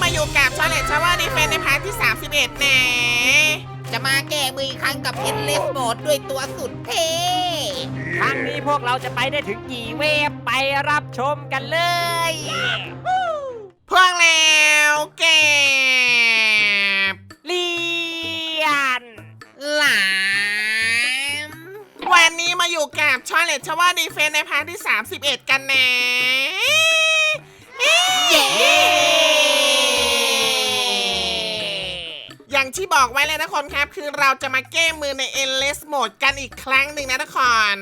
มาอยู่กับชาเลนจ์ชาวดีเฟนในพาร์ทที่31นะจะมาแก้มืออีกครั้งกับเอ็นเลสโหมดด้วยตัวสุดเท่ครั้งนี้พวกเราจะไปได้ถึงกี่เวฟไปรับชมกันเลยพวกแล้วเก็บเลียนหลามวันนี้มาอยู่กับชาเลนจ์ชาวดีเฟนในพาร์ทที่31กันนะเย้อย่างที่บอกไว้เลยนะคนครับคือเราจะมาแก้มือใน Endless Mode กันอีกครั้งหนึ่งนะทุกคน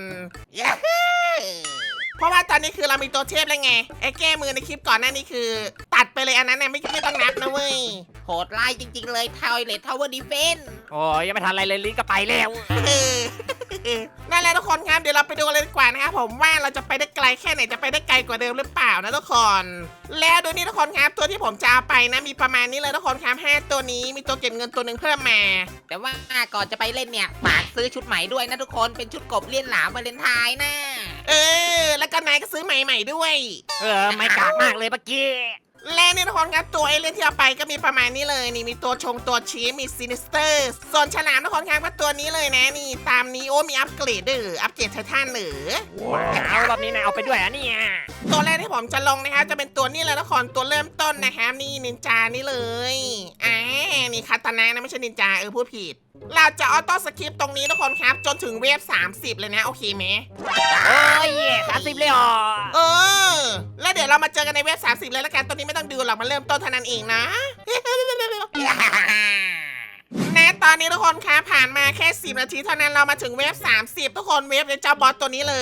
เพราะว่าตอนนี้คือเรามีตัวเทพแล้วไงไอ้แก้มือในคลิปก่อนหน้านี้คือ ตัดไปเลยอันนั้นนะไม่ต้องนับนะเว้ยโหดร้ายจริงๆเลยToilet Tower Defense โอ้ยยังไม่ทันอะไรเลยลิ้นก็ไปแล้วนั่นแหละทุกคนครับเดี๋ยวเราไปดูเลยดีกว่านะครับผมว่าเราจะไปได้ไกลแค่ไหนจะไปได้ไกลกว่าเดิมหรือเปล่านะทุกคนแล้วดูนี่ทุกคนครับตัวที่ผมจะเอาไปนะมีประมาณนี้เลยทุกคนครับ5ตัวนี้มีตัวเก็บเงินตัวหนึ่งเพิ่มมาแต่ว่าก่อนจะไปเล่นเนี่ยฝากซื้อชุดใหม่ด้วยนะทุกคนเป็นชุดกบเลี้ยนหลามวาเลนไทน์นะแล้วก็นายก็ซื้อใหม่ๆด้วยไม่กากมากเลยเมื่อกี้และนี่ทุกคนครับตัวเอเลี่ยนที่เอาไปก็มีประมาณนี้เลยนี่มีตัวชงตัวชี้มีซินิสเตอร์ส่วนฉลามทุกคนครับก็ตัวนี้เลยนะนี่ตามนี้โอ้มีอัปเกรดด้วยอัปเกรดไททันหรือเอารอบนี้นายเอาไปด้วยอ่ะเนี่ยตัวแรกที่ผมจะลงนะครับจะเป็นตัวนี้เลยทุกคนตัวเริ่มต้นนะครับนี่นินจานี่เลยนี่คาตานะนะไม่ใช่นินจาพูดผิดเราจะออโต้สคริปต์ตรงนี้ทุกคนครับจนถึงเวฟ30เลยนะโอเคไหมโอ้ย30เลยอ๋อแล้วเดี๋ยวเรามาเจอกันในเวฟ30เลยแล้วกันตัวนี้ไม่ต้องดูหรอกมันเริ่มต้นเท่านั้นเองนะ แน่ตอนนี้ทุกคนคะผ่านมาแค่10นาทีเท่านั้นเรามาถึงเวฟ30ทุกคนเวฟเจ้าบอสตัวนี้เลย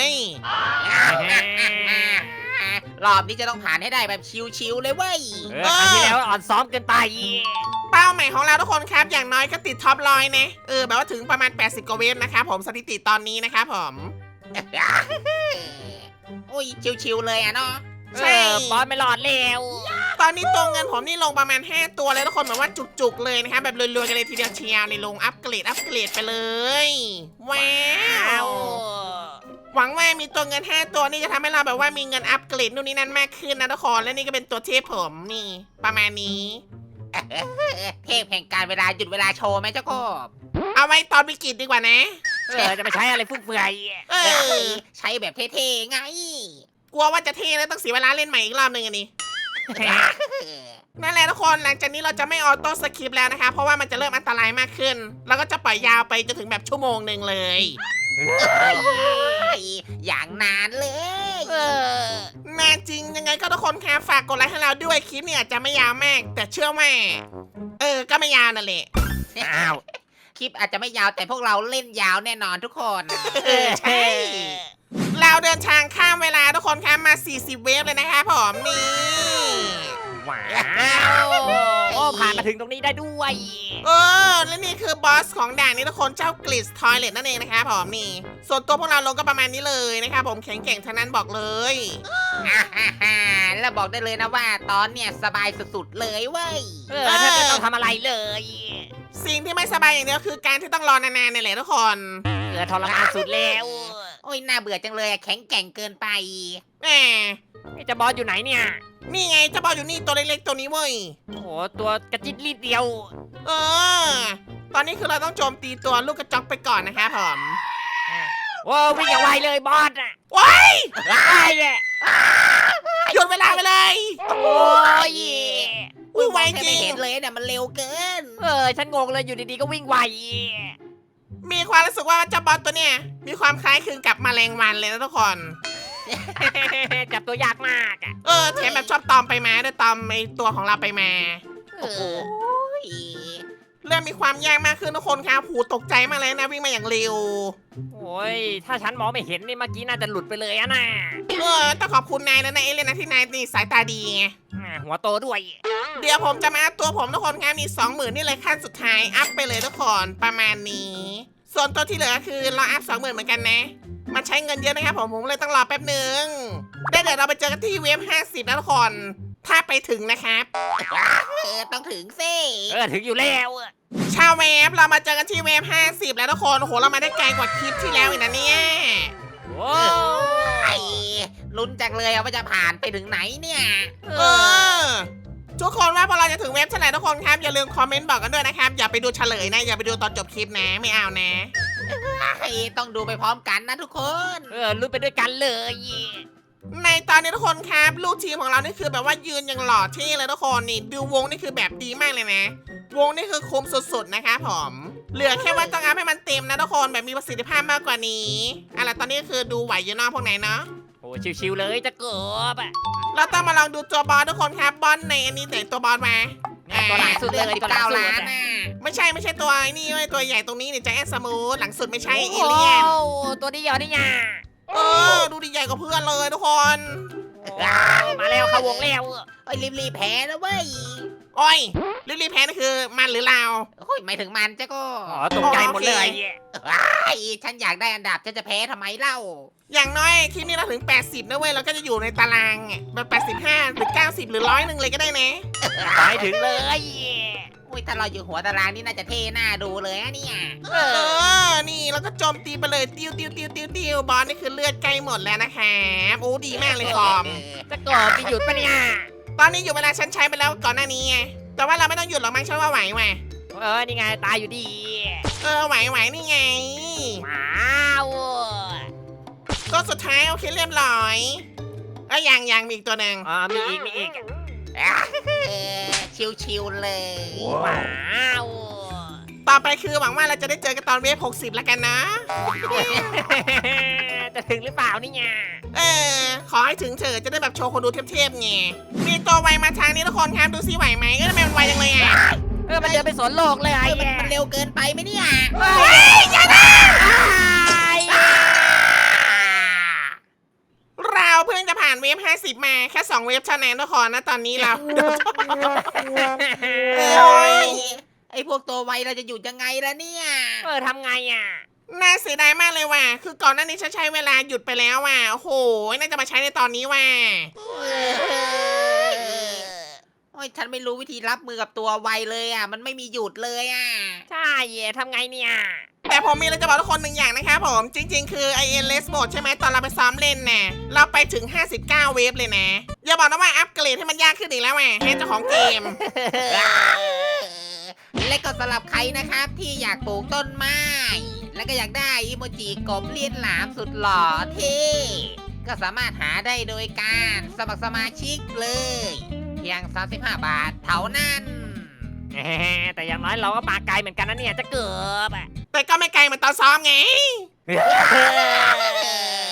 รอบนี้จะต้องผ่านให้ได้แบบชิวๆเลยเว้ยครั้งที่แล้วอ่อนซ้อมเกินไปเป้าหมายของเราทุกคนครับอย่างน้อยก็ติดท็อปร้อยนะแบบว่าถึงประมาณ80กว่าเวฟนะครับผมสถิติตอนนี้นะครับผมโอ้ยชิวๆเลยอะเนาะใช่บอสไม่รอดแล้วตอนนี้ตัวเงินผมนี่ลงประมาณ5ตัวเลยทุกคนแบบว่าจุกๆเลยนะครับแบบรวยๆกันเลยทีเดียวเชียวในลงอัปเกรดไปเลยว้าวหวังว่ามีตัวเงิน5ตัวนี่จะทำให้เราแบบว่ามีเงินอัปเกรดนู่นนี่นั่นมากขึ้นนะทุกคนและนี่ก็เป็นตัวเทพผมนี่ประมาณนี้เทพแห่งการเวลาหยุดเวลาโชว์ไหมเจ้ากบเอาไว้ตอนวิกฤตดีกว่านะจะไปใช้อะไรฟุ่มเฟือยใช้แบบเท่ๆไงกลัวว่าจะเท่แล้วต้องเสียเวลาเล่นใหม่อีกรอบหนึ่งอันนี้ นั่นแหละทุกคนหลังจากนี้เราจะไม่ออโต้สคริปต์แล้วนะคะเพราะว่ามันจะเริ่มอันตรายมากขึ้น แล้วก็จะปล่อยยาวไปจนถึงแบบชั่วโมงหนึ่งเลยอย่างนานเลยแน่จริงยังไงก็ทุกคนคะฝากกดไลค์ให้เราด้วยคลิปเนี่ยอาจจะไม่ยาวมาก แต่เชื่อว่าก็ไม่ยาวนั่นแหละอ้าวคลิปอาจจะไม่ยาวแต่พวกเราเล่นยาวแน่นอนทุกคนใช่เราเดินทางข้ามเวลาทุกคนคะมา40เวฟเลยนะคะผมนี่ว้าวโอ้ผ่านมาถึงตรงนี้ได้ด้วยและนี่คือบอสของด่านนี้ทุกคนเจ้ากลิสทอยเลตนั่นเองนะคะผมนี่ส่วนตัวพวกเราลงก็ประมาณนี้เลยนะคะผมแข็งแกร่งทั้งนั้นบอกเลยแล้วบอกได้เลยนะว่าตอนเนี่ยสบายสุดๆเลยเว้ยถ้าไม่ต้องทำอะไรเลยสิ่งที่ไม่สบายอย่างเดียวคือการที่ต้องรอนานๆนี่แหละทุกคนทรมานสุดแล้วโอ้ยน่าเบื่อจังเลยแข็งแกร่งเกินไปแหมไอ้เจะบอสอยู่ไหนเนี่ยนี่ไงเจ้าบอลอยู่นี่ตัวเล็กๆตัวนี้เว้ยโอ้โหตัวกระจิตรีดเดียวตอนนี้คือเราต้องโจมตีตัวลูกกระจอกไปก่อนนะคะผมโอ้วิ่งอย่างไวเลยบอสอ่ะว้ายไอ้เนี่ยหยุดเวลาไปเลยโอ้ยอุ้ยไวแค่จริไม่งเห็นเลยเนี่ยมันเร็วเกินฉันงงเลยอยู่ดีๆก็วิ่งไวมีความรู้สึกว่าเจ้าบอลตัวเนี้ยมีความคล้ายคลึงกับแมลงวันเลยนะทุกคนจับตัวยากมากอ่ะแถมแบบชอบตอมไปมาด้วยตอมไอตัวของเราไปมาโอ้โหเริ่มมีความยากมากขึ้นทุกคนครับหูตกใจมากเลยนะวิ่งมาอย่างเร็วโอ้ยถ้าฉันมองไม่เห็นนี่เมื่อกี้น่าจะหลุดไปเลยอะนะต้องขอบคุณนายนะเอเลนนะที่นายนี่สายตาดีไงหัวโตด้วยเดี๋ยวผมจะมาอัพตัวผมทุกคนครับนี่20,000นี่เลยขั้นสุดท้ายอัพไปเลยทุกคนประมาณนี้ ส่วนตัวที่เหลือคือเราอัพ20,000เหมือนกันนะมันใช้เงินเยอะนะครับผมเลยต้องรอแป๊บนึงได้เดี๋ยวเราไปเจอกันที่เวฟ50นะทุกคนถ้าไปถึงนะครับต้องถึงสิถึงอยู่แล้วชาวเวฟเรามาเจอกันที่เวฟ50แล้วทุกคนโอ้โหเรามาได้ไกลกว่าคลิปที่แล้วอีกนะเนี่ยโอ้ไอ้ลุ้นจังเลยว่าจะผ่านไปถึงไหนเนี่ยเออทุกคนว่าพอเราจะถึงเว็บเท่าไหร่ทุกคนครับอย่าลืมคอมเมนต์บอกกันด้วยนะครับอย่าไปดูเฉลยนะอย่าไปดูตอนจบคลิปนะไม่เอานะต้องดูไปพร้อมกันนะทุกคนลุ้นไปด้วยกันเลยในตอนนี้ทุกคนครับลูกทีมของเรานี่คือแบบว่ายืนอย่างหล่อเท่เลยทุกคนนี่ดูวงนี่คือแบบดีมากเลยนะ วงนี่คือคุ้มสุดๆนะคะผมเหลือแค่ว่าต้องอัพให้มันเต็มนะทุกคนแบบมีประสิทธิภาพมากกว่านี้อะไรตอนนี้คือดูไหวอยู่เนอกพวกไหนเนาะโอ้ชิวๆเลยจะเกือบอะเราต้องมาลองดูตัวบอสทุกคนครับบอสในอันนี้ไหนตัวบอสมาตัวหลังสุดเลยตัวหลัง 19 สุดล้านอะน่ะไม่ใช่ตัวไอ้นี่เว้ยตัวใหญ่ตรงนี้เนี่ยใจแอนสมูทหลังสุดไม่ใช่เอเลี่ยนโอ้ตัวนี้เหรอนี่ไงดูดีใหญ่กว่าเพื่อนเลยทุกคนมาแล้วเข้าวงแล้วเอ้ยรีบๆแพ้นะเว้ยโอ้ยรีบๆแพ้นี่คือมันหรือเราโอ้ยไม่ถึงมันเจ้าก็อ๋อตกใจหมดเลยไอ้ฉันอยากได้อันดับฉันจะแพ้ทำไมเล่าอย่างน้อยคลิปนี้เราถึง 80นะเว้ยเราก็จะอยู่ในตารางอะแบบ85หรือ90หรือ100เลยก็ได้นะไปถึงเลยอุ้ยถ้าเราอยู่หัวตารางนี่น่าจะเท่หน้าดูเลยอะเนี่ยนี่แล้วก็โจมตีไปเลยติ้วบอสนี่คือเลือดใกล้หมดแล้วนะครับโอ้ดีมากเลยคอมจะเกือบจะหยุดปะเนี่ยตอนนี้อยู่เวลาฉันใช้ไปแล้วก่อนหน้านี้ไงแต่ว่าเราไม่ต้องหยุดหรอกมั้งฉันว่าไหวว่ะนี่ไงตายอยู่ดีไหวนี่ไงว้าวตัวสุดท้ายโอเคเรียบร้อยยังมีอีกตัวหนึ่งมีอีกชิวๆเลยว้าวต่อไปคือหวังว่าเราจะได้เจอกันตอนเวฟ60แล้วกันนะจะถึงหรือเปล่านี่ไงขอให้ถึงเถอะจะได้แบบโชว์คนดูเทพๆไงมีตัวไวมาทางนี้ทุกคนครับดูซิไหวไหมทำไมมันไวจังเลยอ่ะมันเดินไปสวนโลกเลยมันเร็วเกินไปไหมเนี่ยเราเพิ่งจะผ่านเวฟ50มาแค่2เวฟเท่านั้นทุกคนนะตอนนี้เรา โอ้ยไอพวกตัวไวเราจะหยุดยังไงล่ะเนี่ยทำไงอ่ะน่าเสียดายมากเลยว่ะคือก่อนหน้านี้ฉันใช้เวลาหยุดไปแล้วว่ะโอ้โหน่าจะมาใช้ในตอนนี้ว่ะโอ้ยฉันไม่รู้วิธีรับมือกับตัวไวเลยอ่ะมันไม่มีหยุดเลยอ่ะใช่ทำไงเนี่ยแต่ผมมีอะไรจะบอกทุกคนหนึ่งอย่างนะครับผมจริงๆคือ IN Less Mode ใช่ไหมตอนเราไปซ้อมเล่นน่ะเราไปถึง59เวฟเลยนะอย่าบอกนะว่าอัปเกรดให้มันยากขึ้นอีกแล้วว่ะให้เจ้าของเกมและก็สำหรับใครนะครับที่อยากปลูกต้นไม้ แล้วก็อยากได้อิโมจิกบเลียนหลามสุดหล่อเท่ก็สามารถหาได้โดยการสมัครสมาชิกเลยเพียง35 บาทเท่านั้นแต่อย่างน้อยเราก็มาไกลเหมือนกันนะเนี่ยจะเกือบแต่ก็ไม่ไกลเหมือนตอนซ้อมไง